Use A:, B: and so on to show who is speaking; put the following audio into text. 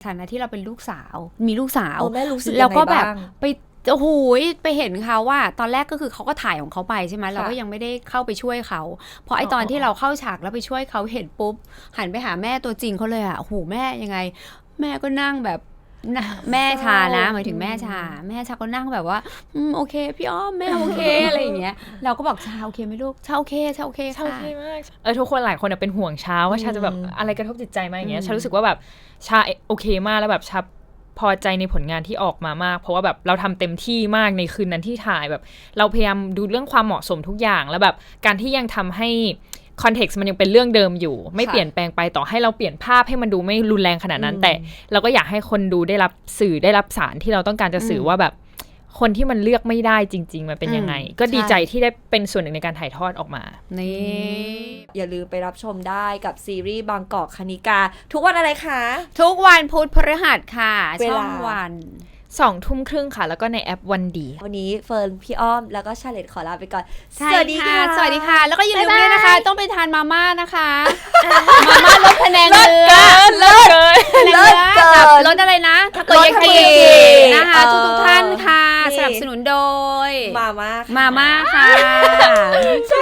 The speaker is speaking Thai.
A: ฐานะที่เราเป็นลูกสาวมีลูกสาว
B: แม่รู้สึก
A: แล้วก็แบบ
B: ยังไงบ้าง
A: ไปโอ้โหไปเห็นเขาว่าตอนแรกก็คือเขาก็ถ่ายของเขาไปใช่ไหมเราก็ยังไม่ได้เข้าไปช่วยเขาพอไอตอนที่เราเข้าฉากแล้วไปช่วยเขาเห็นปุ๊บหันไปหาแม่ตัวจริงเขาเลยอ่ะโอ้โหแม่ยังไงแม่ก็นั่งแบบแม่ชานะหมายถึงแม่ชาก็นั่งแบบว่าโอเคพี่อ้อมแม่โอเคอะไรอย่างเงี้ยเราก็บอกชาโอเคไหมลูกชาโอเคค่ะ
C: โอเคมากทุกคนหลายคนเป็นห่วงชาว่าชาจะแบบอะไรกระทบจิตใจมาอย่างเงี้ยชารู้สึกว่าแบบชาโอเคมากแล้วแบบชาพอใจในผลงานที่ออกมามากเพราะว่าแบบเราทำเต็มที่มากในคืนนั้นที่ถ่ายแบบเราพยายามดูเรื่องความเหมาะสมทุกอย่างแล้วแบบการที่ยังทำให้คอนเท็กซ์มันยังเป็นเรื่องเดิมอยู่ไม่เปลี่ยนแปลงไปต่อให้เราเปลี่ยนภาพให้มันดูไม่รุนแรงขนาดนั้นแต่เราก็อยากให้คนดูได้รับสื่อได้รับสารที่เราต้องการจะสื่อว่าแบบคนที่มันเลือกไม่ได้จริงๆมันเป็นยังไงก็ดีใจที่ได้เป็นส่วนหนึ่งในการถ่ายทอดออกมา
A: นี่
B: อย่าลืมไปรับชมได้กับซีรีส์บางกอกคณิกาทุกวันอะไรคะ
A: ทุกวันพุธพฤหัสค่ะช่องวัน
C: 20:30 ค่ะแล้วก็ในแอปวันดี
B: วันนี้เฟิร์นพี่อ้อมแล้วก็ชาเลตขอลาไปก่อน
A: สวัสดีค่ะสวัสดีค่ะแล้วก็อย่าลืมด้วยนะคะต้องไปทานมาม่านะคะมาม่าลดพะแนงเนื้อ
C: เลิศเกิน
A: พะแนงเนื้อกับลดอะไรนะทาโกยากินะคะทุกท่านค่ะสนับสนุนโดย
B: มาม่า
A: ค่ะ